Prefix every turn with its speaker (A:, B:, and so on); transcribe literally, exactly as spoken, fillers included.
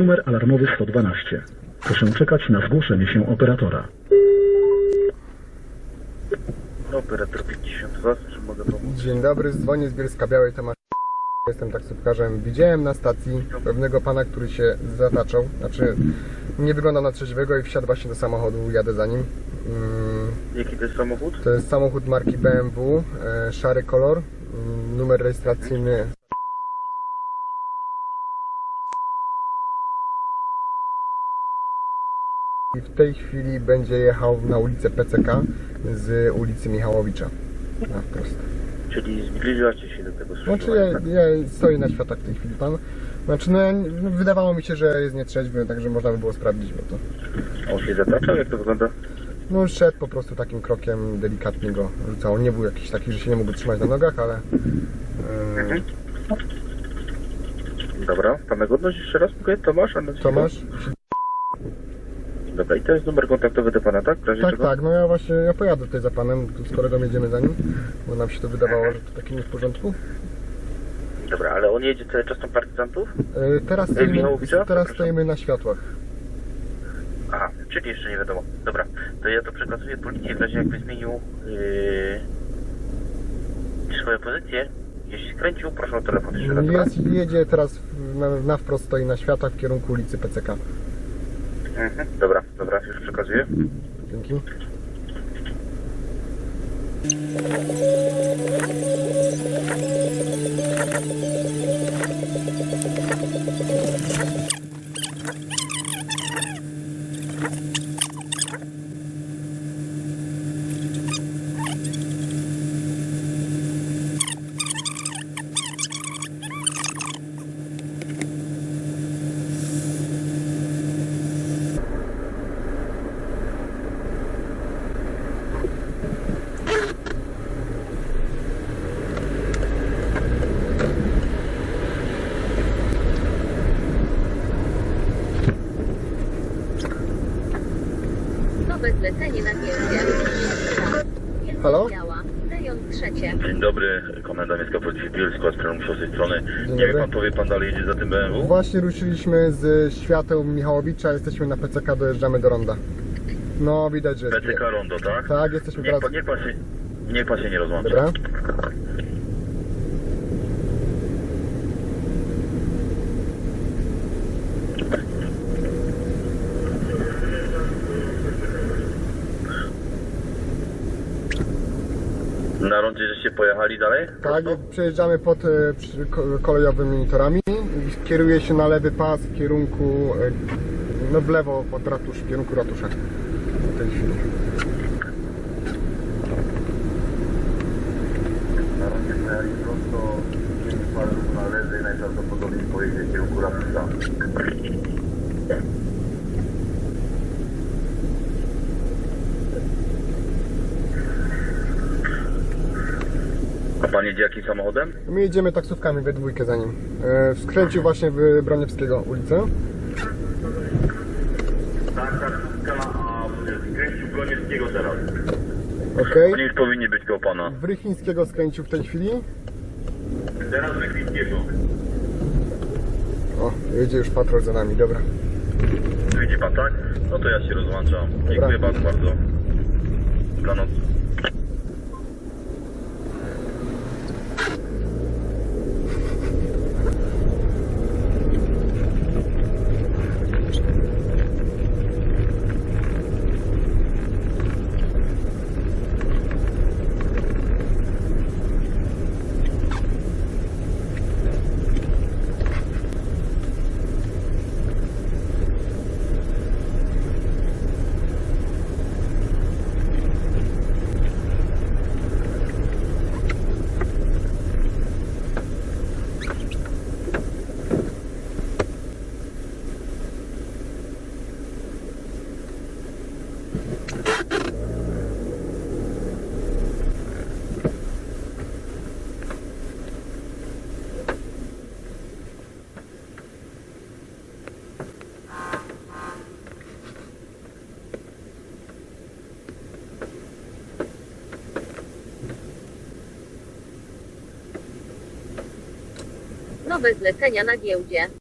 A: Numer alarmowy sto dwanaście. Proszę czekać na zgłoszenie się operatora.
B: Operator pięćdziesiąt dwa, czy mogę pomóc?
C: Dzień dobry, dzwonię z Bielska Białej, Tomasz. Jestem taksówkarzem. Widziałem na stacji pewnego pana, który się zataczał. Znaczy, nie wygląda na trzeźwego i wsiadł właśnie do samochodu. Jadę za nim. Mm,
B: Jaki to jest samochód?
C: To jest samochód marki B M W, e, szary kolor, mm, numer rejestracyjny. I w tej chwili będzie jechał na ulicę P C K z ulicy Michałowicza. Na wprost.
B: Czyli zbliżacie się do tego
C: Znaczy
B: skrzyżowania,
C: ja,
B: tak?
C: ja stoję na światach w tej chwili pan. Znaczy no, no wydawało mi się, że jest nietrzeźwy, także można by było sprawdzić, bo to.
B: On się zataczał? Jak to wygląda?
C: No szedł po prostu takim krokiem, delikatnie go rzucał. Nie był jakiś taki, że się nie mógł trzymać na nogach, ale. Yy,
B: Mhm. Dobra, pana godność jeszcze raz mówię, Tomasz, a nazwisko?
C: Tomasz?
B: Dobra, i to jest numer kontaktowy do pana, tak? W razie
C: Tak,
B: czego?
C: tak, no ja właśnie ja pojadę tutaj za panem, tu z kolegą jedziemy za nim, bo nam się to wydawało, że to takie nie w porządku.
B: Dobra, ale on jedzie cały czas tam partyzantów?
C: Yy, teraz stoimy,
B: Michałowicza?
C: teraz
B: Przepraszam.
C: stoimy na światłach.
B: Aha, czyli jeszcze nie wiadomo. Dobra, to ja to przekazuję policji w razie jakby zmienił yy, swoją pozycję. Jeśli skręcił, proszę o telefon jeszcze raz.
C: Jest, jedzie teraz na, na wprost, stoi na światach w kierunku ulicy P C K.
B: Mhm. Dobra, dobra, już przekazuję.
C: Dzięki.
D: Nowe zlecenie na giełdzie.
C: Halo?
D: Biała. Rejon trzecie.
B: Dzień dobry, Komenda Miejska Policji w Bielsku, Aspiron Musiał z tej strony.
C: Dzień
B: Nie wie
C: dobry.
B: pan, powie pan dalej jedzie za tym B M W?
C: Właśnie ruszyliśmy z świateł Michałowicza, jesteśmy na P C K, dojeżdżamy do ronda. No widać, że jest.
B: P C K Rondo, tak?
C: Tak, jesteśmy
B: Niech
C: teraz.
B: pan, niech pan się, niech pan się nie rozłącza.
C: Dobra.
B: Na rondzie żeście pojechali dalej?
C: Tak, przejeżdżamy pod e, przy, ko- kolejowymi torami. Kieruje się na lewy pas w kierunku, e, no w lewo pod ratusz, w kierunku ratusza. W tej chwili.
B: Na rondzie pojechali prosto, jeden parę na lewy i najprawdopodobniej pojedzie w kierunku Ratusza. A pan jedzie jakim samochodem?
C: My jedziemy taksówkami we dwójkę za nim. E, skręcił właśnie w Broniewskiego ulicę.
B: Tak, taksówka, a skręcił Broniewskiego teraz.
C: Okej.
B: Oni już powinni być koło pana.
C: W Rychińskiego skręcił w tej chwili.
B: Teraz Wykwitkiego.
C: O, jedzie już patrol za nami, dobra.
B: Widzi pan, tak? No to ja się rozłączam. Dziękuję bardzo bardzo. Dobranoc.
D: Nowe zlecenia na giełdzie.